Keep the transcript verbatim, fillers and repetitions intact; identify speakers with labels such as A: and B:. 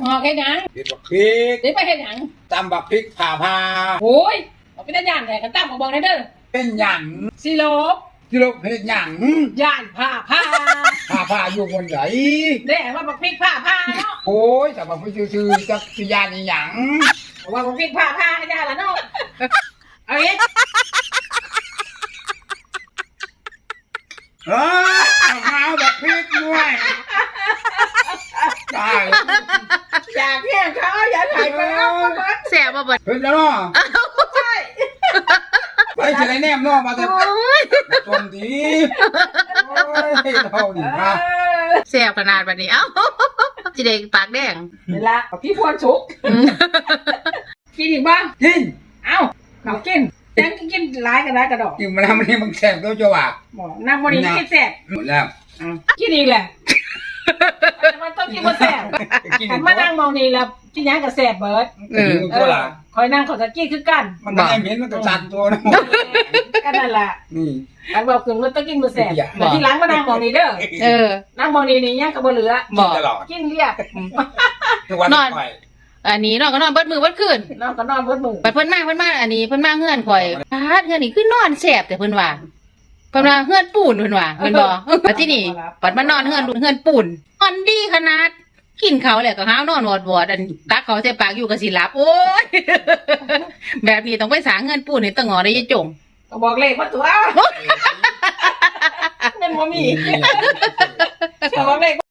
A: หอกแค่ยัง
B: เด็ดบักพริก
A: เดี๋ยวไปแค่ยัง
B: ตำบักพริกผ่าผ่า
A: โอ้ยเอาไปได้ย่านแทนกันตั้งมาบอกได้เด้อ
B: เป็นหยัง
A: ซีโร่
B: ที่เราเฮ็ดหยัง
A: ย่านผ้าผ้า
B: ผ่าผ่าอยู่บนไหน
A: ได้ว่าบักพริกผ้าผ้าเนาะ
B: โอ้ยแต่บักพริกชื่อๆจักสิยานอีหยัง
A: ว่าบักพริกผ้าผ้าให้ย่านละเนาะเอาอีก
B: เออเอาบักพริกด้วยได้
A: อยากเนี่ยเขาอยากถ่ายไปเอาไปเบิด
C: แสบบ่เบิด
B: เฮ็ดแล้วเนาะ
A: ใช่
B: ไปสิได้แนมเนาะมาแต่
C: โอ้ย
B: จมดีโอ้ยเรานี่
A: เอ
B: ฮะ
A: อ
C: แสบขนาดบัดนี้เอ้าจิเด็กปากแดง
A: เวลาพี่พวนสุกกินอีกบ้าง
B: กิน
A: เอ้าเขากินฉันก็กินหลายกันหลายกระดอก
B: กินมาแล้วมันนี่มันแซ่บตัวจ้าว่า
A: บอกนั่งวันนี้กินแซ่บ
B: หมดแล้ว
A: กินอีกแหละมันต้องกินมาแซ่บ
B: กิน
A: ขันมานั่งมองนี่แล้วกินยังกับแซ่บเบิร์ด
C: เออ
A: เออคอยนั่งเขาจะกี้คือกัน
B: มันก็ได้เหม็นมันก็สั่นตัวนะ
A: ก็นั่นแหละ
B: นี่
A: อันบอกคือมันต้องกินมาแซ่บแต่ที่หลังมานั่งมองนี่เด้อ
C: เออ
A: นั่งมองนี่นี่ยังกับบ่เหลือ
C: บอก
B: ตลอด
A: กินเรียบ
B: ทุกวัน
C: นอน
B: ไป
C: อันนี้นอนก็นอนเบิดมือเบิดคืน
A: นอนก็นอนเบิดมือ
C: บัดเพิ่นมาเพิ่นมาอันนี้เพิ่นมาเฮือนข่อยพาดเฮือนนี่คือนอนแสบแต่เพิ่นว่าเพิ่นว่าเฮือนปูนเพิ่นว่าเพิ่นบ่บัดที่นี่บัดมานอนเฮือนเฮือนปูนนอนดีขนาดกินเขาวแล้วก็หาวนอนวอดๆอันตักเขาใส่ปากอยู่ก็สิหลับโอ้ย แบบนี้ต้องไปสร้างเฮือนปูนให้ตะงอได้ยายจง
A: ก็บอกเลขว่าตัวเงินบ่มีก็บอกเลข